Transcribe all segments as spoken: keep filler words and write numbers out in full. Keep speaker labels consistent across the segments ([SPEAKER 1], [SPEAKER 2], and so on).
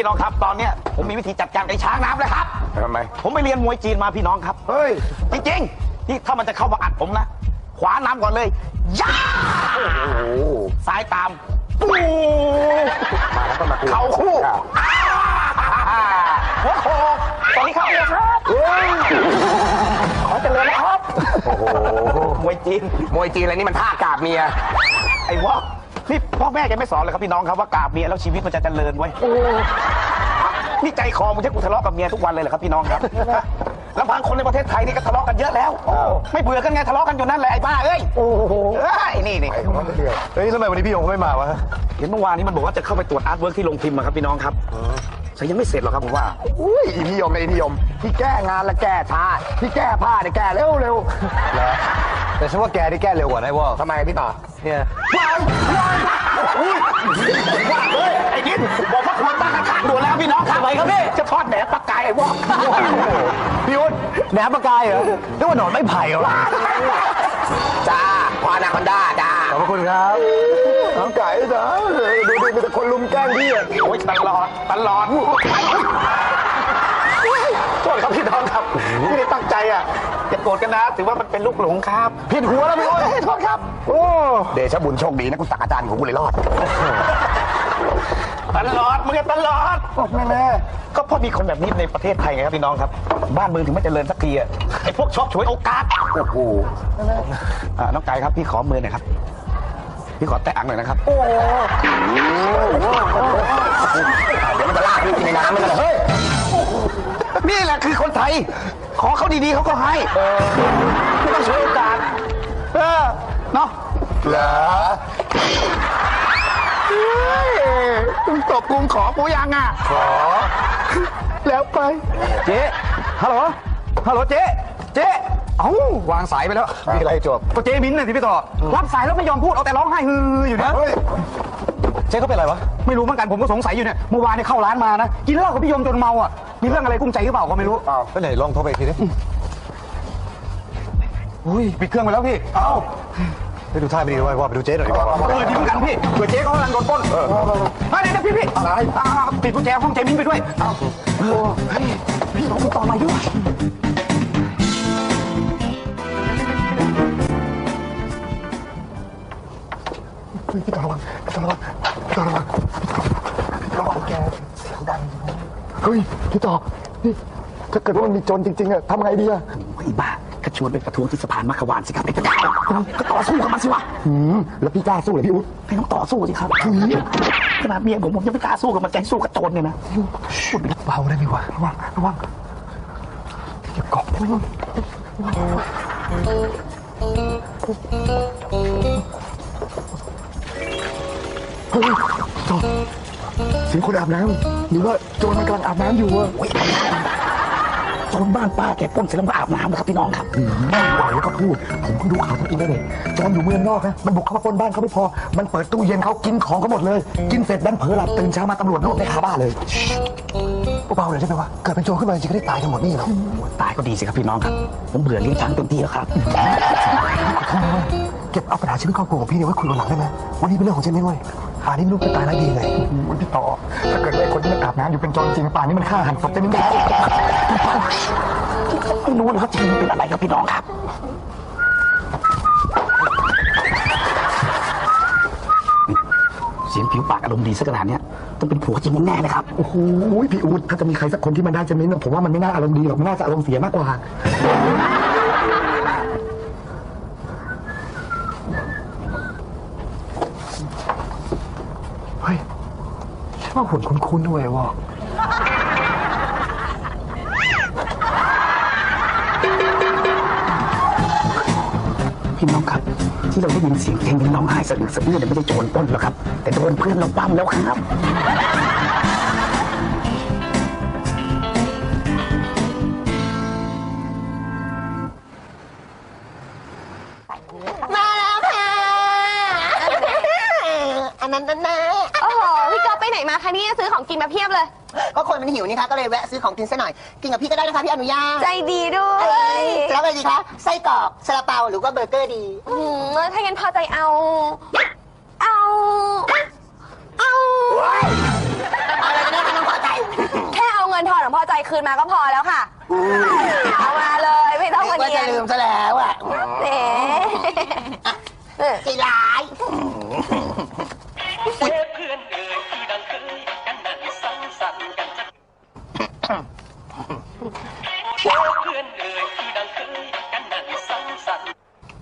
[SPEAKER 1] พี่น้องครับตอนเนี้ยผมมีวิธีจัดการไอ้ช้างน้ำเลยครับทำไมผมไปเรียนมวยจีนมาพี่น้องครับเฮ้ยจริงๆที่ถ้ามันจะเข้ามาอัดผมนะขวาน้ำก่อนเลยย่าซ้ายตามปูมาแล้วก็มาเข่าคู่หัวโขกตอนนี้เข้าเลยครับขอเจริญนะครับโอ้โหมวยจีนมวยจีนอะไรนี่มันท่ากราบเมียไอ้วะนี่พ่อแม่แกไม่สอนเลยครับพี่น้องครับว่ากราบเมียแล้วชีวิตมันจะเจริญไว้นี่ใจคอมึงจะกูทะเลาะกับเมียทุกวันเลยเหรอครับพี่น้องครับลำพังคนในประเทศไทยนี่ก็ทะเลาะกันเยอะแล้วไม่เบื่อกันไงทะเลาะกันอยู่นั่นแหละไอ้บ้าเอ้ยโอ้โหไอ้นี่นี่
[SPEAKER 2] เฮ้ยทำไมวันนี้พี่ยงไม่มาวะ
[SPEAKER 1] เห็นเมื่อวานนี้มันบอกว่าจะเข้าไปตรวจอาร์ตเวิร์กที่โรงพิมพ์ครับพี่น้องครับแต่ยังไม่เสร็จหรอกครับผมว่า
[SPEAKER 2] อุ้ยอีพี่ยมไอ้พี่ยมที่แก้งานและแก้ช้าที่แก้ผ้าเนี่ยแก้เร็วเร็วแล้วแต่ฉันว่าแกได้แก้เร็วกว่านะวะทำไมพี่ต่อเนี่ย
[SPEAKER 1] ไอ้นิดบอกว่าควรตั้งกระถางด่วนแล้วพี่น้องครับไปครับพี่จะทอดแหนปลากายไอ้วอก
[SPEAKER 2] พี่อุ้นแหนปลากายเหรอเรียกว่าหนอนไม่ไผ่เหรอ
[SPEAKER 1] จ้าพอนาคอนด้าจ้า
[SPEAKER 2] ขอบคุณครับน้องไก่จ้าดูดิมีแต่คนลุมแกล้งพี่
[SPEAKER 1] โอ้ยตลอดตลอดโทษครับพี่น้องครับไม่ได้ตั้งใจอ่ะอย่าโกรธกันนะถือว่ามันเป็นลูกหลงครับ
[SPEAKER 2] ผิดหัวแล้วพี่อุ้น
[SPEAKER 1] โทษครับ
[SPEAKER 2] โอ้
[SPEAKER 1] เดชบุญโชคดีนะกูตักอาจารย์ของกูเลยรอดตลอดมึงตลอด
[SPEAKER 2] แม่แม่
[SPEAKER 1] ก็เพราะมีคนแบบนี้ในประเทศไทยไงครับพี่น้องครับบ้านเมืองถึงไม่เจริญสักทีอ่ะไอ้พวกชอบฉวยโอกาสโอ้โหน้องไก่ครับพี่ขอมือหน่อยครับพี่ขอแตะอังหน่อยนะครับโอ้เดี๋ยวมันจะลากพี่ในน้ำมันเลยเฮ้ยนี่แหละคือคนไทยขอเขาดีๆเขาก็ให้ไม่ต้องฉวยโอกาสเออเนาะ
[SPEAKER 2] เหรอ
[SPEAKER 1] มึงตบกูขอกูยังอ่ะ
[SPEAKER 2] ขอ
[SPEAKER 1] แล้วไปเจ๊ฮัลโหลฮัลโหลเจ๊เจ๊เอ้าวางสายไปแล้ว
[SPEAKER 2] มีอะไรจบ
[SPEAKER 1] ก็เจ๊มิ้นท์น่ะที่พี่ต่อรับสายแล้วไม่ยอมพูดเอาแต่ร้องไห้ฮืออยู่นะ
[SPEAKER 2] เจ๊เขาเป็นอะไรวะ
[SPEAKER 1] ไม่รู้เหมือนกันผมก็สงสัยอยู่เนี่ยเมื่อวานเนี่ยเข้าร้านมานะกินเหล้ากับพี่ยมจนเมาอ่ะมีเรื่องอะไรกุ้งใจหรือเปล่าก็ไม่รู้
[SPEAKER 2] อ้าวก็ไหนลองโทรไปทีดิ
[SPEAKER 1] อุ้ยปิดเครื่องไปแล้วพี่
[SPEAKER 2] เอ้าไปดูท่าไม่ดีด้วยว่าไปดูเจ๊หน่อยดีกว่า
[SPEAKER 1] เออดีเหมือนกันพี่เผื่อเจ๊เขากำลังโดนปล้นเออไม่ได้นะพี่พี่
[SPEAKER 2] อะไร
[SPEAKER 1] ปิดกุญแจห้องเจ๊มิ้นไปด้วยเอ้าพี่น้องต่อมาด้วย
[SPEAKER 2] พี่ต่อระวังพี่ต่อระวังพี่ต่อระวังพี่ต่อระวังแกเสียงดังเฮ้ยพี่ต่อนี่ถ้าเกิดว่ามันมีโจรจริงๆอะทำไงดีอะ
[SPEAKER 1] ไอ้บ้าก็ชวนไปประท้วงที่สะพานมัขวานสิครับไอ้กระต่ายก็ต่อสู้กับมันสิวะ
[SPEAKER 2] แล้วพี่กล้าสู้เหรอพี่อุ๊ด
[SPEAKER 1] ไม่ต้องต่อสู้สิครับขนาดเมียผมผมยังไม่กล้าสู้กับมันใจสู้กับโจรเนี่ยนะ
[SPEAKER 2] พูดเบาได้ไหมวะระวังระวังเก็บกอบได้ไหมเฮ้ยจอดเสียงคนอาบน้ำหรือว่าโจรมันกำลังอาบน้ำอยู่อะ
[SPEAKER 1] โจรบ้านป้าแกปล้นเสร็จแล้วมาอาบน้ำนะครับพี่น้องครับ
[SPEAKER 2] ไหวแล้วก็พูดผมเพิ่งดูข่าวทั้งอินเทอร์เน็ตโจรอยู่เมืองนอกนะมันบุกเข้ามาปล้นบ้านเขาไม่พอมันเปิดตู้เย็นเขากินของเขาหมดเลยกินเสร็จดันเผลอหลับตื่นเช้ามาตำรวจรวบในคาบ้านเลยเบาๆเลยใช่ไหมวะเกิดเป็นโจรขึ้นมาจริงก็ได้ตายทั้งหมดนี่หรอ
[SPEAKER 1] ตายก็ดีสิครับพี่น้องครับผมเบื่อเลี้ยงช้างเต็มที่แล้วครับ
[SPEAKER 2] เก็บเอาปัญหาชีวิตครอบครัวของพี่เนี่ยไว้คุยวันหลังได้ไหมวันนี้เป็นเรื่องของเจนนี่เว้ยป่านนี้ลูกจะตายแล้วดีไงวันพี่ต่อถ้าเกิดไอ้คนที่มันอาบน้ำอยู่เป็นโจรจริงป่านนี้มันฆ่าหันศพเจนนี่
[SPEAKER 1] ไม่รู้นะครับจริงมันเป็นอะไรครับพี่น้องครับเสียงผิวปากอารมณ์ดีสักขนาดนี้ต้องเป็นผัวจริงแน่เลยครับ
[SPEAKER 2] โอ้โหพี่อู๊ดถ้าจะมีใครสักคนที่มันได้เจนนี่ผมว่ามันไม่น่าอารมณ์ดีหรอกมันน่าจะอารมณ์เสียมากกว่าเฮ้ยฉันว่าหุ่นคุ้นๆด้วยวะ
[SPEAKER 1] พี่น้องครับที่เราได้ยินเสียงเพลงร้องไห้สะอึกสะอื้นเนี่ยไม่ได้โจรปล้นหรอกครับแต่โดนเพื่อนเราปั้มแล้วครับ
[SPEAKER 3] มาแล้วค่ะอันนั้นนั่นนะ
[SPEAKER 4] โอ้โหพี่ก๊อฟไปไหนมาคะเนี่ยซื้อของกินมาเพียบเลย
[SPEAKER 3] ก็คนมันหิวนี่คะก็เลยแวะซื้อของกินซะหน่อยกินกับพี่ก็ได้นะคะพี่อนุญาต
[SPEAKER 4] ใจดีด้วย
[SPEAKER 3] แล้วอะไรดีคะไส้กรอกซาลาเปาหรือว่าเบอร์เกอร์ดี
[SPEAKER 4] อืมถ้างั้นพอใจเอาเอาเอา
[SPEAKER 3] อะไรกันแน่คะน้องพอใจ
[SPEAKER 4] ค์คืนมาก็พอแล้วค่ะ เอามาเลยไม่ต้องมา
[SPEAKER 3] ก็
[SPEAKER 4] เนีย
[SPEAKER 3] จะ
[SPEAKER 4] น
[SPEAKER 3] ลืมซะแล้วอ่ะ
[SPEAKER 4] เอ๋เออ
[SPEAKER 3] ใจร้าย
[SPEAKER 5] เพื่อนเอ่ยคือดังเคยกันนั่งสังสรรค์กันจะเพื่อนเอ่ยคือดังเคยกันนั่งสังสรรค์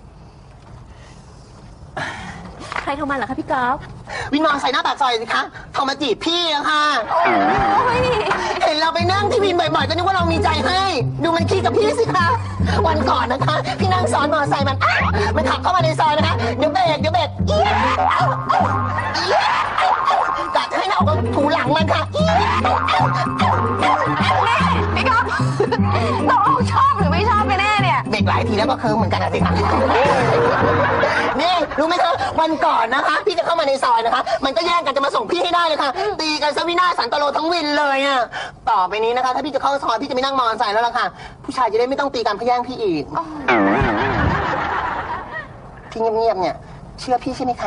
[SPEAKER 4] ใครโทรมาเหรอคะพี่ก๊อฟ
[SPEAKER 3] วินมอใส่หน้าปากซอยสิคะโทรมาจีบพี่อะค่ะ เห็นเราไปนั่งที่วินบ่อยๆ ก็นึกว่าเรามีใจให้ ดูมันคิดกับพี่สิคะ วันก่อนนะคะ พี่นั่งซ้อนมอเตอร์ไซค์มันอ๊ะมันขับเข้ามาในซอยนะคะ เดี๋ยวเบรกเดี๋ยวเบรกเอี้ยเอ้าเอ้าเอี้ยเอ้าเอ้ากะจะให้เราเอาถูหลังมันค่ะเอี้ยเอ้าเอ้าเอ้าเอ้า
[SPEAKER 4] พี่ก๊อฟตกลงชอบหรือไม่ชอบกันแน่เนี่ย
[SPEAKER 3] เบรกหลายทีแล้วก็เคิร์มเหมือนกันนะสิคะนี่รู้ไหมคะวันก่อนนะคะ พี่จะเข้ามาในซอยนะคะ มันก็แย่งกันจะมาส่งพี่ให้ได้เลยค่ะ ตีกันซะวินาศสันตโลทั้งวินเลยอ่ะต่อไปนี้นะคะ ถ้าพี่จะเข้าซอยพี่จะไม่นั่งมอเตอร์ไซค์แล้วล่ะค่ะ ผู้ชายจะได้ไม่ต้องตีกันเพื่อแย่งพี่อีกที่เงียบๆเนี่ย เชื่อพี่ใช่ไหมคะ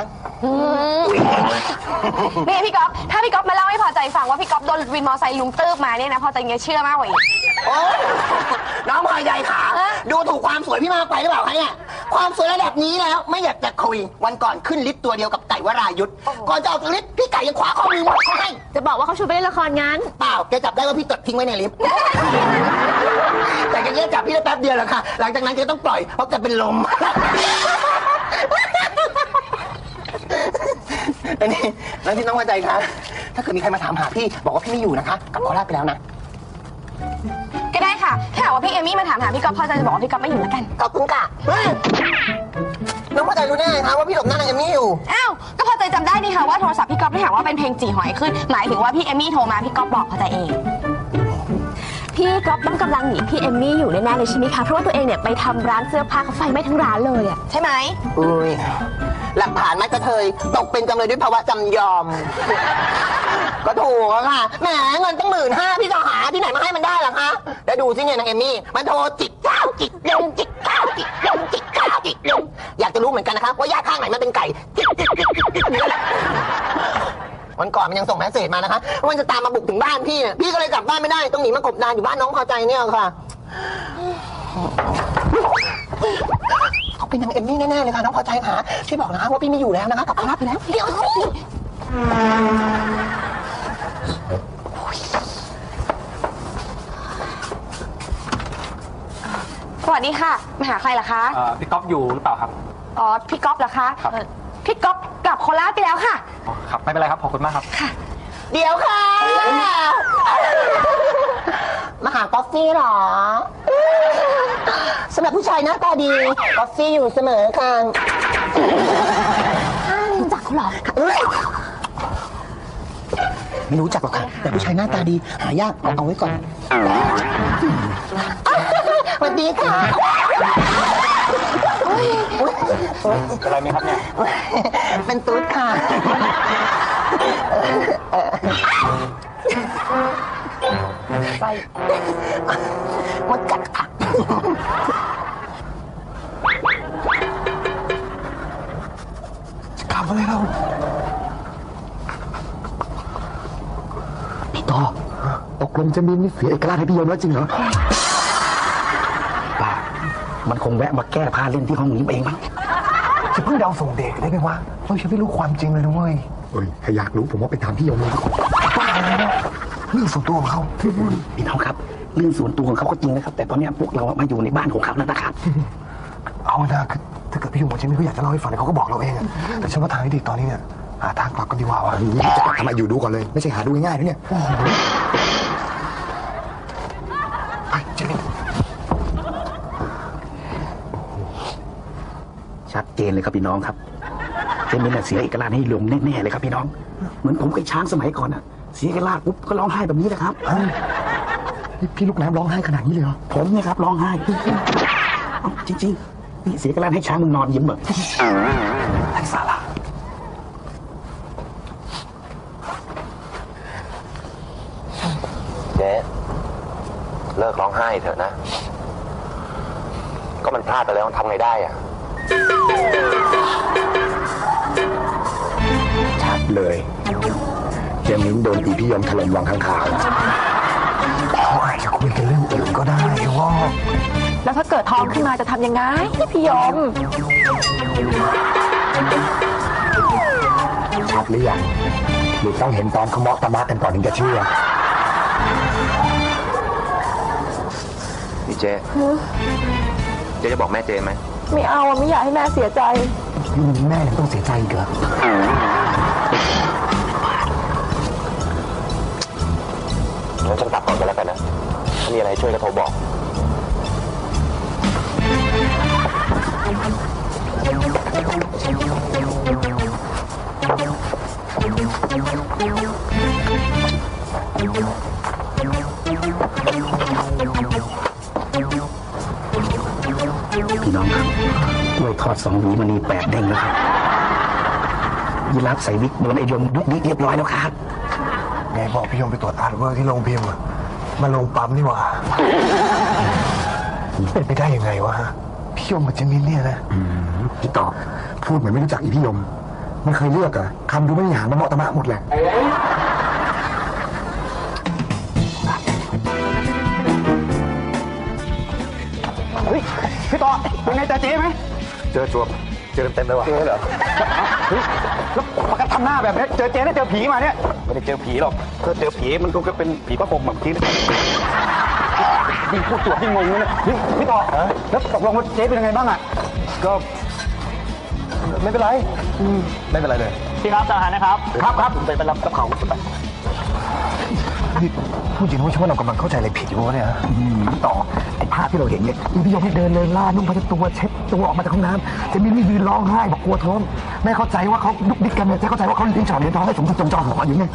[SPEAKER 4] นี่พี่ก๊อฟถ้าพี่ก๊อฟมาเล่าให้พอใจฟังว่าพี่ก๊อฟโดนวินมอไซค์ลุงตืบมาเนี่ยนะพอใจเงี้ยเชื่อมากกว่าอีก
[SPEAKER 3] โอ้น้องพลอยใหญ่ขา
[SPEAKER 4] เอ๊ะ
[SPEAKER 3] ดูถูกความสวยพี่มากไปหรือเปล่าคะเนี่ยความสวยระดับนี้แล้วไม่อยากจะคุยวันก่อนขึ้นลิฟต์ตัวเดียวกับไก่วรายุทธ์ก่อนจะออกจากลิฟต์พี่ไก่ยังขวาข้อมือหมดเขาให้
[SPEAKER 4] จะบอกว่าเขาชวนไปเล่นละครงั้น
[SPEAKER 3] เปล่าแกจับได้ว่าพี่ตดทิ้งไว้ในลิฟต์ แต่แกแค่จับพี่ได้แป๊บเดียวแหละค่ะ หลังจากนั้นแกต้องปล่อยเพราะแกเป็นลม แล้วนี่แล้วที่น้องมาใจคะถ้าเกิดมีใครมาถามหาพี่บอกว่าพี่ไม่อยู่นะคะกลับโคราชไปแล้วนะ
[SPEAKER 4] ก็ได้ค่ะ ถ้าหากว่าพี่เอมี่มาถามหาพี่ก๊อฟพอใจจะบอกว่าพี่ก๊อฟไม่อยู่แล้วกัน
[SPEAKER 3] ขอบคุณค่ะเฮ้ยน้องพอใจรู้ได้ไงคะว่าพี่หลบหน้านางเอมี่อยู่
[SPEAKER 4] อ้าว ก็พอใจจำได้นี่ค่ะว่าโทรศัพท์พี่ก๊อฟไม่หากว่าเป็นเพลงจีหอยขึ้น หมายถึงว่าพี่เอมี่โทรมาพี่ก๊อฟบอกพอใจเอง พี่ก๊อฟต้องกำลังหนีพี่เอมี่อยู่แน่ๆเลยใช่ไหมคะ เพราะว่าตัวเองเนี่ยไปทำร้านเสื้อผ้าเขาไฟไหม้ทั้งร้านเลยอะใช่ไหม
[SPEAKER 3] อุ้ยหลักฐานมัดกระเทยตกเป็นจำเลยด้วยภาวะจำยอม ก็ถูกอะค่ะแหมเงินตั้งหมื่นห้าพี่จะหาที่ไหนมาให้มันได้ล่ะคะแล้วดูสิเนี่ยนางเอมี่มันโทรจิกเก้าจิกลงจิกเก้าจิกลงจิกเก้าจิกลงอยากจะรู้เหมือนกันนะคะว่าย่าข้างไหนมันเป็นไก่จิกจิกจิกจิกจิกนี่แหละวันก่อนมันยังส่งแมสเสจมานะคะว่ามันจะตามมาบุกถึงบ้านพี่เนี่ยพี่ก็เลยกลับบ้านไม่ได้ต้องหนีมากบดานอยู่บ้านน้องพอใจเนี่ยค่ะเขาเป็นนางเอมมี่แน่ๆเลยค่ะน้องพอใจค่ะช่วยบอกนะคะว่าพี่ไม่อยู่แล้วนะคะกลับบ้านไปแล้วเดี๋ยวสิ
[SPEAKER 4] สวัสดีค่ะ มาหาใครล่ะคะ
[SPEAKER 6] เอ่อพี่ก๊อฟอยู่หรือเปล่าครับ
[SPEAKER 4] อ๋อ พี่ก๊อฟเหรอคะ
[SPEAKER 6] ครับ
[SPEAKER 4] เอ่อพี่ก๊อฟกลับโคราชไปแล้วค่ะ
[SPEAKER 6] อ๋อครับ ไม่เป็นไรครับ ขอบคุณมากครับ
[SPEAKER 3] เดี๋ยวค่ะมาหากอฟฟี่เหรอสำหรับผู้ชายหน้าตาดีกอฟฟี่อยู่เสมอค่ะรู้จักเขาเหรอไม่รู้จักหรอกค่ะแต่ผู้ชายหน้าตาดีหายากเอาเอาไว้ก่อนสวัสดีค่ะ
[SPEAKER 6] เป็นไรไหมครับเนี่ย
[SPEAKER 3] เป็นตุ๊ดค่ะไปมดกัดค่ะ
[SPEAKER 2] จะกลับอะไรเราพี่ต่อตกลงจะมีนี่เสียเอกราชให้พี่ยมแล้วจริงเหรอป่ามันคงแวะมาแก้ผ้าเล่นที่ห้องนี้เองมั้ง
[SPEAKER 7] จะเพิ่งเดาส่งเด็กได้ไหมวะเราจะไม่รู้ความจริงเลยนะเว้ย
[SPEAKER 2] เฮ้ยถ้าอยากรู้ผมว่าไปถามพี่ยมเลยดีกว่า
[SPEAKER 7] บ้าเลยนะเรื่องส่วนตัวของเขา
[SPEAKER 2] พี่น้องครับเรื่องส่วนตัวของเขาก็จริงนะครับ แต่ตอนนี้พวกเรามาอยู่ในบ้านของเขาแล้วนะครับ
[SPEAKER 7] เอานะคือถ้าเกิดพี่ยงบอกฉันไม่เขาอยากจะเล่าให้ฟังเนี่ยเขาก็บอกเราเองอะแต่ฉันว่าทางที่ดีตอนนี้เนี่ยหาทางกลับกันดีกว่าวะ
[SPEAKER 2] จะกลับทำไมอยู่ดูก่อนเลย ไม่ใช่หาดูง่ายๆนะเนี่ย
[SPEAKER 7] ไปเจนี่
[SPEAKER 2] ชัดเจนเลยครับพี่น้องครับเจมินน่ะเสียเอกราชให้ลงแน่ๆเลยครับพี่น้องเหมือนผมกับช้างสมัยก่อนน่ะเสียเอกราชปุ๊บก็ร้องไห้แบบนี้แหละครับ
[SPEAKER 7] นี่พี่ลูกน้ำร้องไห้ขนาดนี้เลยเหรอ
[SPEAKER 2] ผมเนี่ยครับร้องไห้เอ้าจริงๆนี่เสียเอกราชให้ช้างมึงนอนยิ้มแบบ
[SPEAKER 7] ไร้สาระ
[SPEAKER 1] เจ๊เลิกร้องไห้เถอะนะ ก็มันพลาดไปแล้วทำไงได้อะ
[SPEAKER 2] ชัดเลยเจมินโดนตีพี่ยมถล่มวังข้างขาว
[SPEAKER 7] เขาอาจจะคุยกันเรื่องอื่นก็ได้ว่า
[SPEAKER 8] แล้วถ้าเกิดท้องขึ้นมาจะทำยังไงพี่ยม
[SPEAKER 2] ชัดหรือยังหรือต้องเห็นตอนเขาเมาะตะมะกันก่อนถึงจะเชื่อ
[SPEAKER 1] นี่เจ๊เจ๊จะบอกแม่เจ๊ไหม
[SPEAKER 8] ไม่เอาอะไม่อยากให้แม่เสียใจ
[SPEAKER 2] ยุ่งแม่ยังต้องเสียใจอีกเหรอ
[SPEAKER 1] งั้นฉันกลับก่อนก็แล้วกันนะ ถ้ามีอะไรช่วยก็โทรบอก
[SPEAKER 2] พี่น้องครับกล้วยทอดสองหวีมันนี่แปดเด้งแล้วครับยีราฟใส่วิกโดนไอ้ยมดุกดิกเรียบร้อยแล้วครับ
[SPEAKER 7] ไงบอกพี่ยมไปตรวจอาร์ตเวิร์กที่โรงพิมพ์อะมาลงปั๊มนี่หว่าเป็นไปได้ยังไงวะฮะพี่ยมกับเจมินเนี่ยนะ
[SPEAKER 2] พี่ตอบพูดเหมือนไม่รู้จักอีพี่ยมมันเคยเลือกอะคำดูไม่มีหางมาเหมาะตะมะหมดแหละ
[SPEAKER 1] เฮ้ย พี่ต่อเป็นไงเจอเจ๊ไหม
[SPEAKER 7] เจอจวบเจอเต็มๆเลยว่ะ
[SPEAKER 1] เจอเหรอเฮ้ยแล้วปากกาทำหน้าแบบนี้เจอเจ๊ได้เจอผีมาเนี่ย ไม่ได้เจอผีหรอกถ้าเจอผีมันคงจะเป็นผีพระพรหมแบบที่ยิ่งพูดตัวยิ่งงงเลยนะนี่พี่ต่อแล้วตกลงว่าเจ๊เป็นยังไงบ้างอ่ะ
[SPEAKER 7] ก็ไม่เป็นไรอืมไม่เป็นไรเลย
[SPEAKER 6] พี่ครับจะอาหารนะครับ
[SPEAKER 1] ครับครับไปไปรับกับเขาไป
[SPEAKER 7] นี่พูดจริงว่าฉันว่าเรากำลังเข้าใจอะไรผิดอยู่วะเนี่ยฮะ
[SPEAKER 2] อืมต่อไอ้ภาพที่เราเห็นเนี่ยอีพี่ยมให้เดินเลยล่านุ่งผ้าเช็ดตัวเช็ดตัวออกมาจากห้องน้ำเจะมีนี่ยืนร้องไห้บอกกลัวท้องแม่เข้าใจว่าเขาดุกดิกกันเนี่ยเจ๊เข้าใจว่าเขาเลี้ยงฉ่อนเลี้ยงท้องให้สมจิตจงจอหออยู่ไง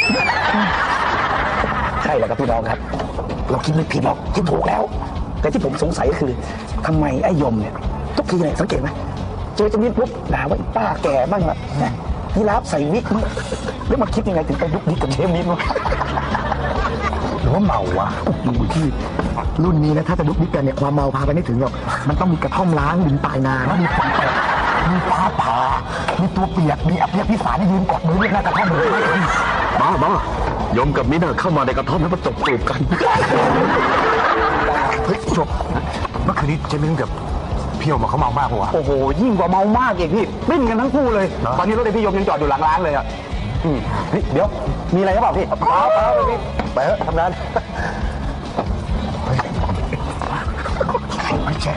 [SPEAKER 2] ใช่แล้วครับพี่น้องครับ เราคิดไม่ผิดหรอกคิดถูกแล้ว แต่ที่ผมสงสัยก็คือทำไมไอ้ยมเนี่ยทุกทีเนี่ยสังเกตไหมเจอเจะมีปุ๊บด่าว่าไอ้ป้าแก่บ้างละยีราฟใส่วิกแล้วมาคิดยังไงถึงไปดุกดิกกับเชฟมิ้นวะ หรือว่าเมาวะที่รุ่นนี้นะถ้าจะดุกดิกกันเนี่ยความเมาพาไปไม่ถึงหรอกมันต้องมีกระท่อมล้างดินปลายนาแล้วมีฝนตกมีฟ้าผ่ามีตัวเปียกมีอภิพิสารที่ยืนกอดมือเรียกหน้ากระท่อมเลยบ้าบ้ายมกับมิ้นเข้ามาในกระท่อมแล้วมาจบจูบกัน
[SPEAKER 7] เฮ้ยจบเมื่อคืนนี้เจมินกับพี่ยมเขาเมามากปะวะ
[SPEAKER 1] โอ้โหยิ่งกว่าเมามากอีกพี่ปิ้นกันทั้งคู่เลย ตอนนี้รถไอพี่ยมยังจอดอยู่หลังร้านเลยอ่ะอืมเฮ้ยเดี๋ยวมีอะไรหรือเปล่าพี่เปล่าเปล่าเลยพี่ไปเถอะทำงาน
[SPEAKER 7] ไม่ใช่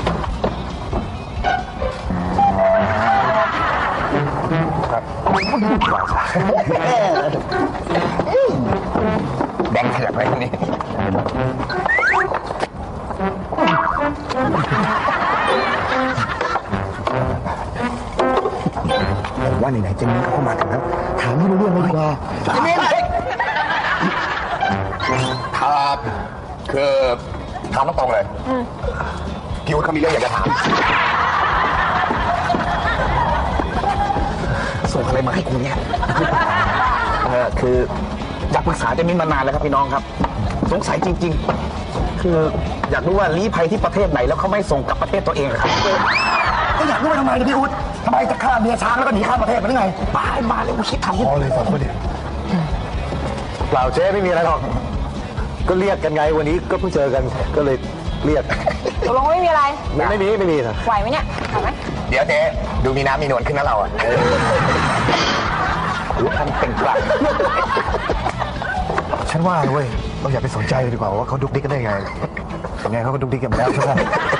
[SPEAKER 1] แดงเถื่อนไว้ตรงนี้
[SPEAKER 2] ผมว่าไหนๆเจมิ้นเขาเข้ามาถึงแล้วถามไม่รู้เรื่องเลยดีกว่า
[SPEAKER 1] เจมินครับคือถามตรงๆเลยพี่วุฒิเขามีเรื่องอยากจะถาม
[SPEAKER 2] ส่งอะไรมาให้กูเนี่ยเออคืออยากปรึกษาเจมิ้นมานานแล้วครับพี่น้องครับสงสัยจริงๆคืออยากรู้ว่าลี้ภัยที่ประเทศไหนแล้วเขาไม่ส่งกลับประเทศตัวเองครับก็อยากรู้ว่าทำไมนะพี่อุ๊ดทำไมจะฆ่าเมียช้างแล้วก็หนีข้ามประเทศมาได้ไงบ้ามาเลยกูคิดทำที่
[SPEAKER 7] พอเลยสองคนเนี่ยเปล่าเจ๊ไม่มีอะไรหรอกก็เรียกกันไงวันนี้ก็เพิ่งเจอกันก็เลยเรียก
[SPEAKER 8] ตกลงไม่มีอะไร
[SPEAKER 7] ไม่ไม่มีไม่มีนะ
[SPEAKER 8] ไหวไหมเนี่ยไหวไหม
[SPEAKER 1] เดี๋ยวเจ๊ดูมีน้ำมีนวลขึ้นนะเราอ่ะรู้ทันเป็นกลาง
[SPEAKER 7] ฉันว่าเว้ยเราอย่าไปสนใจเลยดีกว่าว่าเขาดุกดิกกันได้ไงยังไงเขาก็ดุกดิกกันมาแล้วใช่ไหม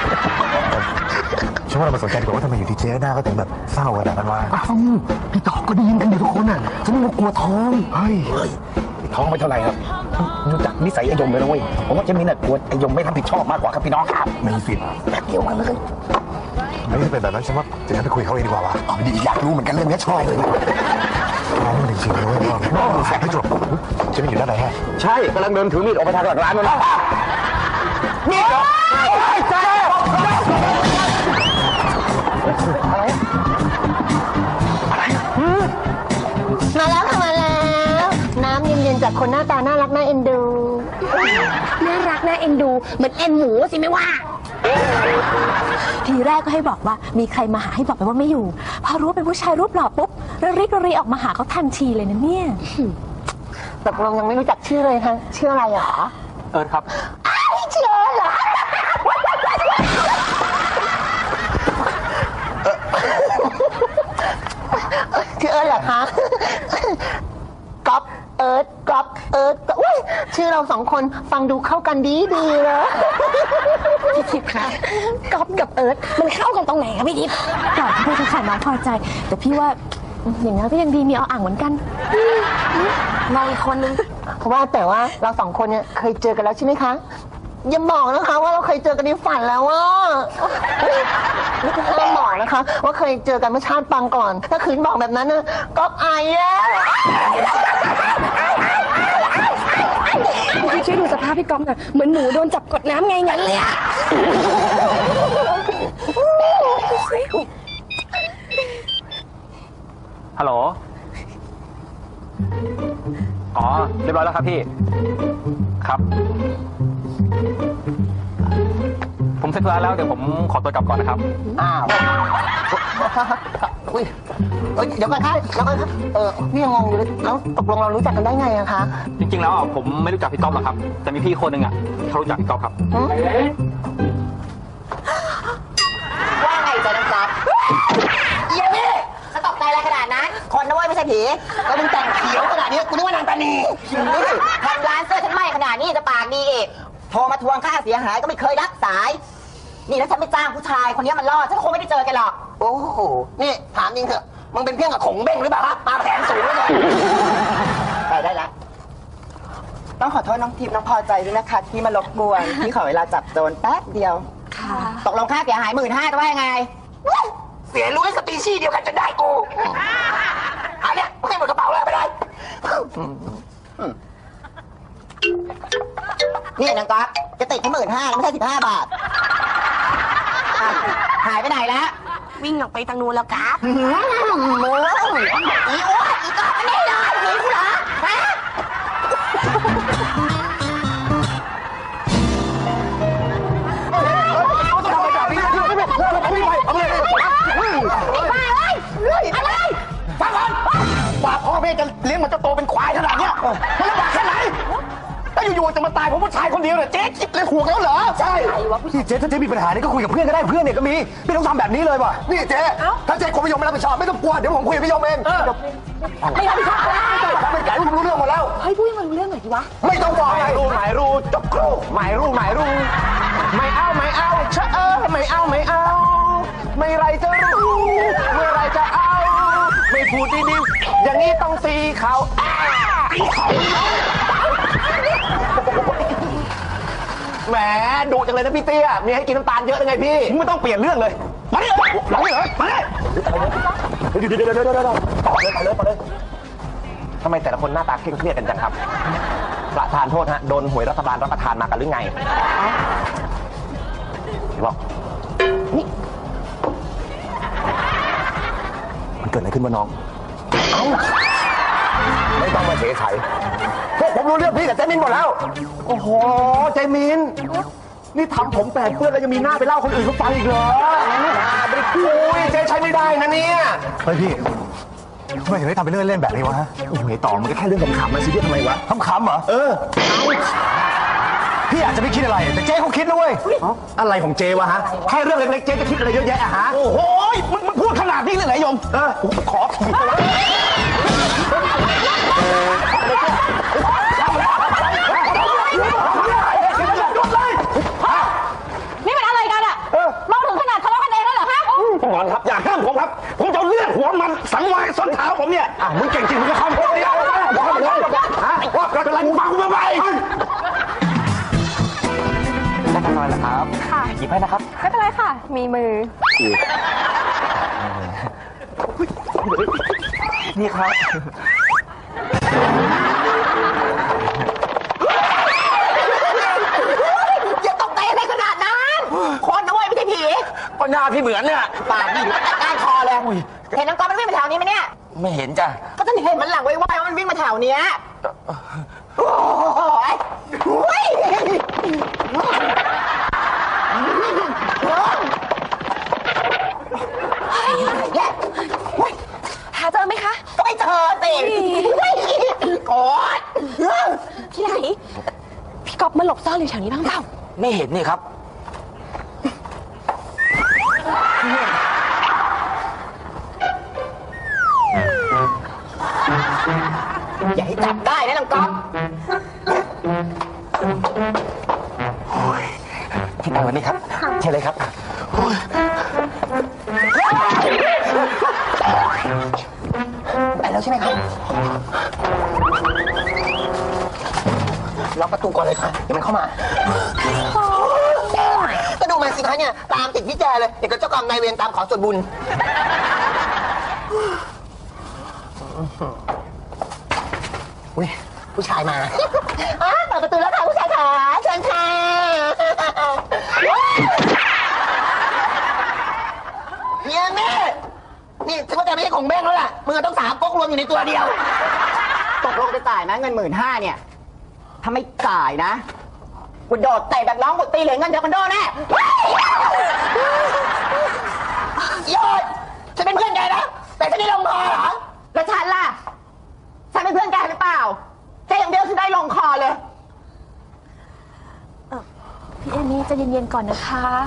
[SPEAKER 7] ฉันว่าเรามาสนใจดีกว่าว่าทำไมอยู่ที่เจ๊หน้าก็ถึงแบบเศร้าขนาดนั้นวะ
[SPEAKER 2] อ้าวพี่ต่อก็ได้ยินกันอยู่ทุกคนน่ะฉันนึกว่ากลัวท้อง
[SPEAKER 7] เฮ้ย
[SPEAKER 2] ท้องไม่เท่าไหร่ครับดูจากนิสัยไอ้ยมเลยนะเว้ยผมว่าเจมินน่ะกลัวไอ้ยมไม่รับผิดชอบมากกว่าครับพี่น้องครับมีสิทธิ์แป๊บเดียวกันเลย
[SPEAKER 7] ไม่ได้เป็นแบบนั้นฉันว่าเดี๋ยวฉันไปคุยเขาเองดีกว่าวะ
[SPEAKER 2] อ๋อดีอยากรู้เหมือนกันเรื่องนี้ชอบเลย
[SPEAKER 7] น้องมันจริงๆเลยเว้ยพ่อไม่จบเจ๊ไม่อยู่ด้านไหนฮะ
[SPEAKER 1] ใช่กำลังเดินถือมีดออกไปทางหลังร้านนั่นนะมีดเหรอเจ๊
[SPEAKER 3] มาแล้วค่ะมาแล้ว น้ำเย็นๆจากคนหน้าตาน่ารักน่าเอ็นดู
[SPEAKER 4] น่ารักน่าเอ็นดูเหมือนเอ็นหมูสิไม่ว่า ทีแรกก็ให้บอกว่ามีใครมาหาให้บอกไปว่าไม่อยู่ พอรู้ว่าเป็นผู้ชายรูปหล่อปุ๊บระริกระรีออกมาหาเขาทันทีเลยนะเนี่ย
[SPEAKER 3] ตกลงยังไม่รู้จักชื่อเลยค่ะชื่ออะไรเหรอ
[SPEAKER 6] เอิร์ธครับ
[SPEAKER 3] เชื่อเหรอชื่อเอิร์ธเหรอคะก๊อฟเอิร์ธก๊อฟเอิร์ธอุ้ยชื่อเราสองคนฟังดูเข้ากันดีดีเลย
[SPEAKER 4] พี่ทิพย์คะก๊อฟกับเอิร์ธมันเข้ากันตรงไหนคะพี่ทิพย์ก่อนที่พี่จะขายน้องพอใจ แต่พี่ว่าอย่างนั้นก็ยังดีมีเอาอ่างเหมือนกันมองอีกคนนึง
[SPEAKER 3] เพราะว่าแต่ว่าเราสองคนเนี่ยเคยเจอกันแล้วใช่ไหมคะอย่าบอกนะคะว่าเราเคยเจอกันในฝันแล้วว่าไม่ต้องบอกนะคะ ว่าเคยเจอกันเมื่อชาติปางก่อน ถ้าคืนบอกแบบนั้นนะก็อายแย่
[SPEAKER 4] พี่ช่วยดูสภาพพี่ก๊อฟหน่อยเหมือนหมูโดนจับกดน้ำไงงั้นเลยอะ
[SPEAKER 6] ฮัลโหล อ๋อ เรียบร้อยแล้วครับพี่ ครับ ผมเสร็จธุระแล้วเดี๋ยวผมขอตัวกลับก่อนนะครับ
[SPEAKER 3] อ้าวอุ้ยเอ้ยเดี๋ยวก่อนค่ะเดี๋ยวก่อนค่ะเออนี่ยังงงอยู่เลยแล้วตกลงเรารู้จักกันได้ไงอะคะ
[SPEAKER 6] จริงๆแล้วอ่ะผมไม่รู้จักพี่ก๊อฟหรอกครับ แต่มีพี่คนหนึ่งอ่ะเขารู้จักพี่ก๊อฟครับ
[SPEAKER 3] ว่าไงจ๊ะน้องจ๊อบเยี่ยนี่จะตกใจอะไรขนาดนั้น คนนะเว้ยไม่ใช่ผีแล้วมึงแต่งเขียวขนาดนี้กูนึกว่านางตานีดูสิทำร้านเสื้อฉันไหม้ขนาดนี้จะปากดีอีกโทรมาทวงค่าเสียหายก็ไม่เคยรับสาย นี่ถ้าฉันไม่จ้างผู้ชายคนนี้มันรอดฉันคงไม่ได้เจอกันหรอก โอ้โห นี่ถามจริงเถอะมึงเป็นเพี้ยงกับขงเบ้งหรือเปล่าฮะมาแขนสูงเลยไปได้แล้ว
[SPEAKER 9] ต้องขอโทษน้องทิพย์น้องพอใจด้วยนะคะที่มารบกวนที่ขอเวลาจับโจรแป๊บเดียว
[SPEAKER 3] ตกลงค่าเสียหายหมื่นห้าจะว่ายังไง เสียรู้ให้สปีชีส์เดียวกันจะได้กูอันเนี้ยให้หมดกระเป๋าเลยไปเลยนี่นางก๊อฟจะติดแค่หมื่นห้าไม่ใช่สิบห้าบาท หายไปไหนแล้ว
[SPEAKER 4] วิ่งออกไปทางนู้นแล้วครับ
[SPEAKER 3] โอ้ยอีโอ้ยอีก๊อฟไม่ได้เลยหนีกูเหรอฮะว่าพ่อแม่จะเลี้ยงมันจะโตเป็นควายขนาดเนี้ยมันลำบากแค่ไหนแล้วอยู่ๆจะมาตายเพราะผู้ชายคนเดียวเนี่ยเจ๊คิดเลยห่วงแล้วเหรอใช่
[SPEAKER 2] พี่เจ๊ถ้าเจ๊มีปัญหานี่ก็คุยกับเพื่อนก็ได้เพื่อนเนี่ยก็มีไม่ต้องทำแบบนี้เลยว่ะนี่เจ๊ถ้าเจ๊กลัวพี่ยมไม่รับผิดชอบไม่ต้องกลัวเดี๋ยวผมคุยกับพี่ยมเองไม่รับผิดชอบทำเป็นไก่ผมรู้เรื่องหมดแล้ว
[SPEAKER 4] เฮ้ยพูดให้มันรู้เรื่องหน่อยดิวะ
[SPEAKER 2] ไม่ต้องบอก
[SPEAKER 1] หมายรู้หมายรู้จบครูหมายรู้หมายรู้ไม่เอาไม่เอาเชอะเออไม่เอาไม่เอา ไม่ไรจะรู้เมื่อไรจะเอา ไม่พูดดีๆอย่างนี้ต้องตีเขาแหมดุจังเลยนะพี่เตี้ยมีให้กินน้ำตาลเยอะยังไงพี่ไม่ต้องเปลี่ยนเรื่องเลยมาดิหลังเลยมาดิเดี๋ยวเดี๋ยวเดี๋ยวเดี๋ยวเดี๋ยวต่อเลยต่อเลยต่อเลยทำไมแต่ละคนหน้าตาเคร่งเครียดกันจังครับประธานโทษฮะโดนหวยรัฐบาลรับประทานมากันหรือไงบอกนี่มันเกิดอะไรขึ้นวะน้องเอ้าไม่ต้องมาเฉยไฉพวกผมรู้เรื่องพี่กับเจมินหมดแล้วโอ้โหเจมินนี่ทำผมแปดเปื้อนแล้วยังมีหน้าไปเล่าคนอื่นเขาฟังอีกเหรอไม่ได้คุยเจ๊ใช้ไม่ได้นะเนี่ย
[SPEAKER 2] เฮ้ยพี่ทำไมถึงได้ทำเป็นเรื่องเล่นแบบนี้วะฮะโอ้ยต่อมันก็แค่เรื่องขำๆมาซีเรียสทำไมวะขำๆเหรอเออพี่อาจจะไม่คิดอะไรแต่เจ๊เขาคิดนะเว้ยอะไรของเจ๊วะฮะแค่เรื่องเล็กๆเจ๊จะคิดอะไรเยอะแยะอะฮะ
[SPEAKER 1] โอ้โหมึงมึงพูดขนาดนี้เลยเหรอยมเออขอผีไปวะ
[SPEAKER 4] นี่เป็นอะไรกันอะมองถึงขนาดทะเลาะกันเองแล้วเหรอฮะ
[SPEAKER 1] ก่อนครับอย่าห้ามผมครับผมจะเลือดหัวมันสังวายส้นเท้าผมเนี่ยอ่ะมึงเก่งจริงมึงก็ทำคนเดียวบอกให้มันเลยฮะว่าเป็นไรมึงฟังกูมาไปได้กันหน่อยนะครับ
[SPEAKER 4] ค่ะ
[SPEAKER 1] หยิบให้นะครับ
[SPEAKER 4] ไม่เป็นไรค่ะ มีมือ
[SPEAKER 1] นี่ครับ
[SPEAKER 3] อย่าตกใจอะไรขนาดนั้นคนนะเว้ยไม่ใช่ผี
[SPEAKER 1] ก็หน้าพี่เหมือนเนี่ย
[SPEAKER 3] ปากนี่อยู่แต่ก้านคอเลยเห็นน้องก๊อฟมันวิ่งมาแถวนี้ไหมเนี่ย
[SPEAKER 1] ไม่เห็นจ้ะ
[SPEAKER 3] ก็ฉันเห็นมันหลังไวๆว่ามันวิ่งมาแถวเนี้ยโอ้ยโอ้ยแย่
[SPEAKER 4] หาเจอไหมคะ
[SPEAKER 3] ก็ไม่เจอสิโกรธ
[SPEAKER 4] ที่ไหน พี่ก๊อฟมาหลบซ่อนอยู่แถวนี้บ้างเปล่า
[SPEAKER 1] ไม่เห็นนี่ครับ
[SPEAKER 3] อย่าให้จับได้นะน้องก๊อฟ
[SPEAKER 1] ที่นั่งวันนี้ครับใช่เลยครับโอ้ย
[SPEAKER 3] ไปแล้วใช่ไหมครับล็อกประตูก่อนเลยค่ะเดี๋ยวมันเข้ามาก็ดูมันสิคะเนี่ยตามติดพี่แจเลยเดี๋ยวก็เจ้ากรรมนายเวรตามขอส่วนบุญอุ้ยผู้ชายมาอ้าเปิดประตูแล้วค่ะผู้ชายขาเชิญค่ะเฮียแม่นี่ฉันเข้าใจไม่ใช่ของแม่งแล้วล่ะมือต้องสามก๊กรวมอยู่ในตัวเดียว
[SPEAKER 9] ตกลงจะจ่ายนะเงินหมื่นห้าเนี่ย ถ้าไม่จ่ายนะกูโดดเตะแบบน้องกูตีเหรียญเงินเดียวกันโดนแน่
[SPEAKER 3] ยอดฉันเป็นเพื่อนแกนะแต่ฉันได้ลงคอเหรอ
[SPEAKER 9] แล้วฉันล่ะ ฉันเป็นเพื่อนแกหรือเปล่าแกอย่างเดียวฉันได้ลงคอเลย
[SPEAKER 4] พี่เอมี่ใจะเย็นๆก่อนนะคะ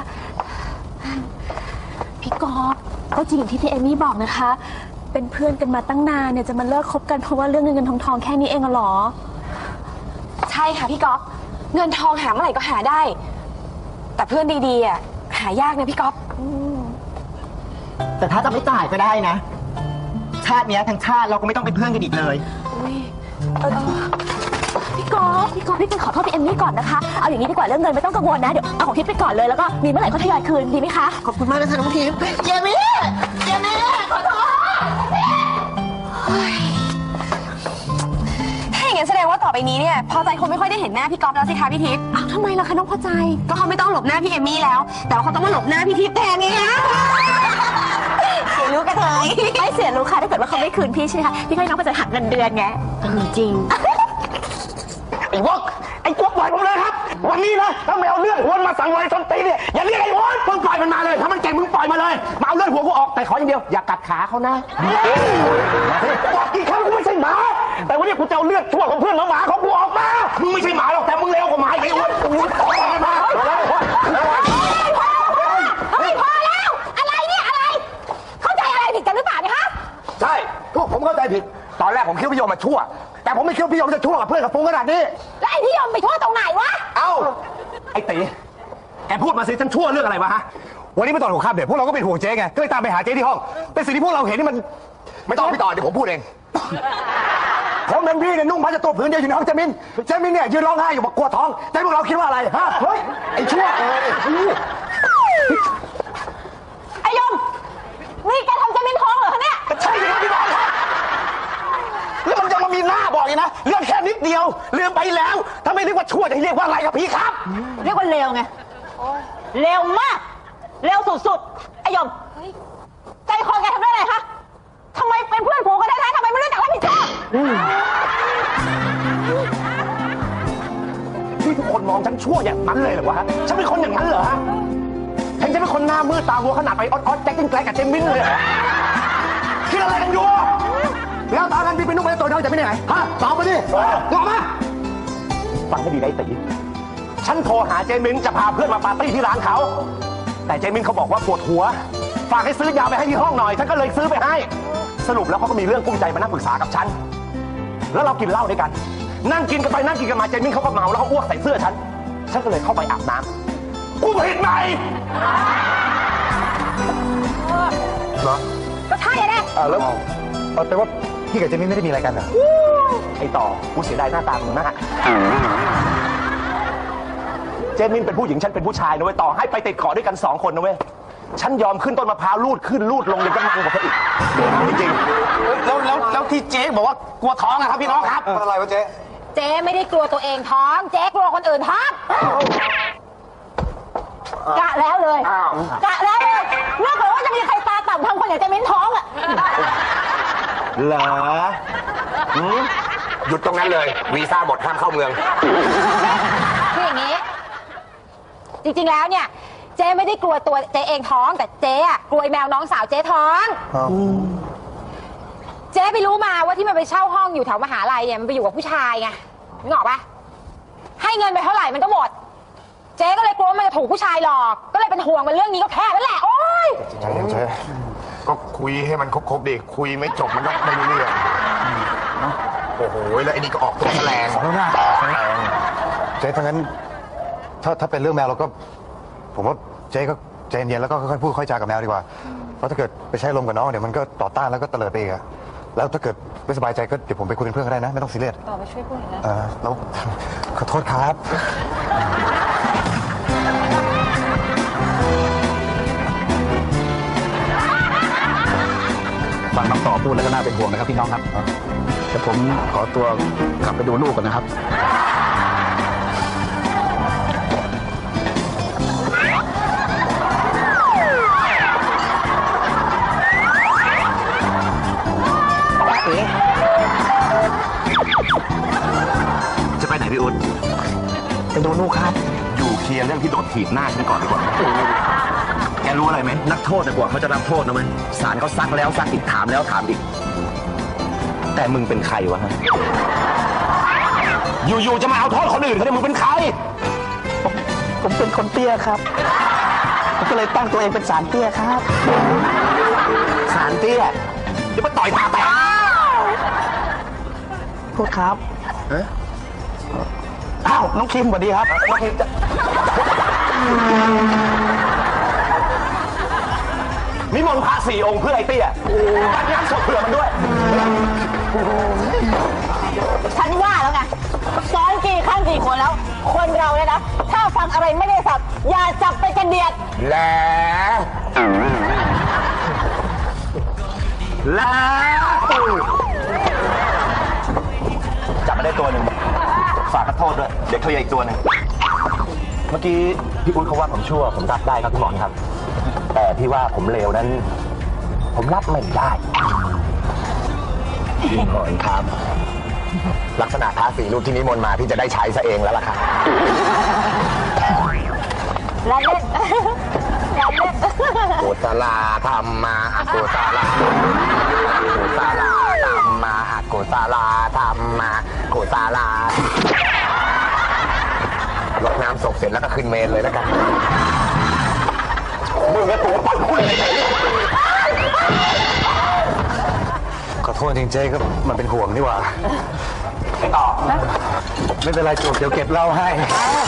[SPEAKER 4] พี่ก๊อฟก็จริงอย่างที่พี่เอมี่บอกนะคะ เป็นเพื่อนกันมาตั้งนานเนี่ยจะมาเลิกคบกันเพราะว่าเรื่องเงินเงินทองทองแค่นี้เองเหรอ ใช่ค่ะพี่ก๊อฟเงินทองหาเมื่อไหร่ก็หาได้ แต่เพื่อนดีๆอ่ะหายากนะพี่ก๊อฟ
[SPEAKER 9] แต่ถ้าจะไม่จ่ายก็ได้นะ ชาติเนี้ยทั้งชาติเราก็ไม่ต้องเป็นเพื่อนกันอีกเลย
[SPEAKER 4] อุ๊ยเออพี่ก๊อฟพี่ก๊อฟพี่เป็นขอโทษพี่เอมมี่ก่อนนะคะเอาอย่างนี้ดีกว่าเรื่องเงินไม่ต้องกังวลนะเดี๋ยวเอาของทิพย์ไปก่อนเลยแล้วก็มีเมื่อไหร่ก็ทยอยคืนดีไหมคะ
[SPEAKER 3] ขอบคุณมากนะคะน้องทิพย์เยมี่เยมี่ขอโทษ
[SPEAKER 4] ถ้าอย่างนั้นแสดงว่าต่อไปนี้เนี่ยพอใจคงไม่ค่อยได้เห็นหน้าพี่ก๊อฟแล้วสิคะพี่ทิพย์อ้าวทำไมล่ะคะน้องพอใจก็เขาไม่ต้องหลบหน้าพี่เอมมี่แล้วแต่ว่าเขาต้องมาหลบหน้าพี่ทิพย์แทนไงคะเสียรู้กันเลยไม่เสียรู้ค่ะถ้าเกิดว่าเขาไม่คืนพี่ใช่ไหมคะพี่ให้น้องพอใจหักเงินเดือนไงจริง
[SPEAKER 1] ไอ้วอกไอ้กวกปล่อยผมเลยครับ วันนี้นะถ้าไม่เอาเรื่องหัวมาสั่งไว้ส้นตีนเนี่ยอย่าเรียกไอ้หัวมึงปล่อยมันมาเลยถ้ามันเก่งมึงปล่อยมาเลยมาเอาเรื่องหัวกูออกแต่ขออย่างเดียวอย่ากัดขาเขานะบอกกี่ครั้งกูไม่ใช่หมาแต่วันนี้กูจะเอาเลือดชั่วของเพื่อนหมาของกูออกมามึงไม่ใช่หมาหรอกแต่มึงเลวกว่าหมาไอ้หัวมึงออกมามา
[SPEAKER 4] เฮ้ยพอแล้วอะไรเนี่ยอะไรเข้าใจอะไรผิดกันหรือเปล่าเนี่ยฮะ
[SPEAKER 1] ใช่พวกผมเข้าใจผิดตอนแรกผมคิดว่าพี่โยมมาชั่วแต่ผมไม่คิดว่าพี่โยมจะชั่วกับเพื่อนกับฟุ้งขนาดนี้
[SPEAKER 4] แล้วไอ้พี่ยมไปชั่วตรงไหนวะ
[SPEAKER 1] เอ้าไอ้ตีแกพูดมาสิฉันชั่วเรื่องอะไรวะฮะวันนี้เมื่อตอนหัวค่ำเด็กพวกเราก็เป็นห่วงเจ๊ไงก็เลยตามไปหาเจ๊ที่ห้องแต่สิ่งที่พวกเราเห็นนี่มันไม่ต้องพี่ต่อเดี๋ยวผมพูดเองผมเป็นพี่เนี่ยนุ่งผ้าจะตัวผืนเดียวอยู่ในห้องเจมินเจมินเนี่ยยืนร้องไห้อยู่บอกกลัวท้องแต่พวกเราคิดว่าอะไรฮะเฮ้ยไอ้ชั่วเออ
[SPEAKER 4] ไอ้ยมนี่แกทำเจมินท้องเหรอคะเนี่ย
[SPEAKER 1] ใช่ครับพี่บอลครับแล้วมันจะมามีหน้าบอกอีกนะเรื่องแค่นิดเดียวลืมไปแล้วถ้าไม่เรียกว่าชั่วจะเรียกว่าอะไรครับพี่ครับ
[SPEAKER 9] เรียกว่าเลวไงเลวมากเลวสุดๆไอ้ยมใจคอแกทำได้ไงคะทำไมเป็นเพื่อนผูกกันแท้ๆทำไมไม่รู้จักรับผิดชอบ
[SPEAKER 1] ที่ทุกคนมองฉันชั่วอย่างนั้นเลยเหรอวะฉันเป็นคนอย่างนั้นเหรอฮะฉันจะเป็นคนหน้ามืดตาวัวขนาดไปออดๆแจ็คกิ้งแกลกับเจมินเลยเหรอคิดอะไรกันอยู่แล้วตอนนั้นพี่เป็นนุ่มเป็นตัวน้อยจะไม่ได้ไหนฮะตอบมาดิตอบมาฟังให้ดีได้ตีฉันโทรหาเจมินจะพาเพื่อนมาปาร์ตี้ที่ร้านเขาแต่เจมินเขาบอกว่าปวดหัวฝากให้ซื้อยาไปให้ที่ห้องหน่อยฉันก็เลยซื้อไปให้สรุปแล้วเขาก็มีเรื่องกุ้มใจมานั่งปรึกษากับฉันแล้วเรากินเหล้าด้วยกันนั่งกินกันไปนั่งกินกันมาเจมินเขาก็เมาแล้วเขาอ้วกใส่เสื้อฉันฉันก็เลยเข้าไปอาบน้ำกูผิดไหมเหรอ
[SPEAKER 4] ก็ใช่แหละ
[SPEAKER 7] แล้วแต่ว่าพี่กับเจมินไม่ได้มีอะไรกันเหรอ
[SPEAKER 1] ไอ้ต่อกูเสียดายหน้าตามึงมากเจมินเป็นผู้หญิงฉันเป็นผู้ชายนะเว้ยต่อให้ไปติดเกาะด้วยกันสองคนนะเว้ยฉันยอมขึ้นต้นมะพร้าวลูดขึ้นลูดลงยังจะมันกว่าเธออีกจริงๆแล้วแล้วแล้วที่เจ๊บอกว่ากลัวท้องนะครับพี่น้องครับ
[SPEAKER 7] อะไรวะเจ๊
[SPEAKER 4] เจ๊ไม่ได้กลัวตัวเองท้องเจ๊กลัวคนอื่นท้องกะแล้วเลยกะแล้วเลยเมื่อก่อนว่าจะมีใครตาต่ำทำคนอย่างเจมินท้องอ่ะ
[SPEAKER 1] เหรอหยุดตรงนั้นเลยวีซ่าหมดห้ามเข้าเมือง
[SPEAKER 4] คืออย่างนี้จริงๆแล้วเนี่ยเจ๊ไม่ได้กลัวตัวเจ๊เองท้องแต่เจ๊อะกลัวแมวน้องสาวเจ๊ท้องเจ๊ไปรู้มาว่าที่มันไปเช่าห้องอยู่แถวมหาลัยเนี่ยมันไปอยู่กับผู้ชายไงนึกออกปะให้
[SPEAKER 9] เงินไปเท่าไหร่มันก็หมด เจ๊ก็เลยกลัวว่ามันจะถูกผู้ชายหลอก ก็เลยเป็นห่วงมันเรื่องนี้ก็แค่นั้นแหละ โอ๊ย
[SPEAKER 2] เจ๊เจ๊ก็คุยให้มันครบๆดิคุยไม่จบมันก็ไม่รู้เรื่องโอ้โหแล้วไอ้นี่ก็ออกตัวแสลง
[SPEAKER 7] แล้วนะเจ๊ถ้างั้นถ้าถ้าเป็นเรื่องแมวเราก็ ผมว่าเจ๊ก็ใจเย็นๆแล้วก็ค่อยๆพูดค่อยจากับแมวดีกว่าเพราะถ้าเกิดไปใช้ลมกับน้องเดี๋ยวมันก็ต่อต้านแล้วก็เตลิดไปอีกอะแล้วถ้าเกิดไม่สบายใจก็เดี๋ยวผมไปคุยเป็นเพื่อนก็ได้นะไม่ต้องซีเรียสต่อไปช่วยพูดนะเออแล้วขอโทษครับ
[SPEAKER 1] ฟังน้องต่อพูดแล้วก็น่าเป็นห่วงนะครับพี่น้องครับแต่ผมขอตัวกลับไปดูลูกก่อนนะครับจะไปไหนพี่อุ๊ดไปดูลูกครับอยู่เคลียร์เรื่องที่โดดถีบหน้าฉันก่อนดีกว่าแกรู้อะไรไหมนักโทษนะกว่าเขาจะรับโทษนะมั้ยศาลเขาซักแล้วซักอีกถามแล้วถามอีกแต่มึงเป็นใครวะฮะอยู่ๆจะมาเอาโทษคนอื่นเขาเนี่ยมึงเป็นใครผมผมเป็นคนเตี้ยครับผมก็เลยตั้งตัวเองเป็นสารเตี้ยครับสารเตี้ยเดี๋ยวมาต่อยตาแตกโทษครับอ้าวน้องคิมสวัสดีครับน้องคิมจะนิมนต์พระสี่องค์เพื่อไอ้เตี้ยจัดงานศพเผื่อมันด้วย
[SPEAKER 9] ฉันว่าแล้วไงซ้อนกี่ข้างกี่คนแล้ว คนเราเนี่ยนะ ถ้าฟังอะไรไม่ได้สับ อย่าจับไปกระเดียด
[SPEAKER 1] แล้วแล้วจับมาได้ตัวหนึ่งฝากขอโทษด้วยเดี๋ยวเคลียร์อีกตัวหนึ่งเมื่อกี้พี่อุ้ยเขาว่าผมชั่วผมรับได้ครับพี่หมอนครับแต่ที่ว่าผมเลวนั้นผมรับไม่ได้พี่หมอนครับลักษณะท้าสีรูปที่นิมนต์มาพี่จะได้ใช้ซะเองแล้วล่ะครับ
[SPEAKER 9] แล้วเล่น แล้วเล่น
[SPEAKER 1] กุศลธรรมาอกุศลกุศลธรรมาอกุศลธรรมากุศลรดน้ำศพเสร็จแล้วก็ขึ้นเมนเลยแล้วกันมึงก็ตัวปั้นคุยอะไรกัน
[SPEAKER 7] ขอโทษจริงเจ๊ก็มันเป็นห่วงนี่หว่า
[SPEAKER 1] ไม่ตอบ
[SPEAKER 7] ไม่เป็นไรจูบเดี๋ยวเก็บเหล้าให้
[SPEAKER 9] อ้าว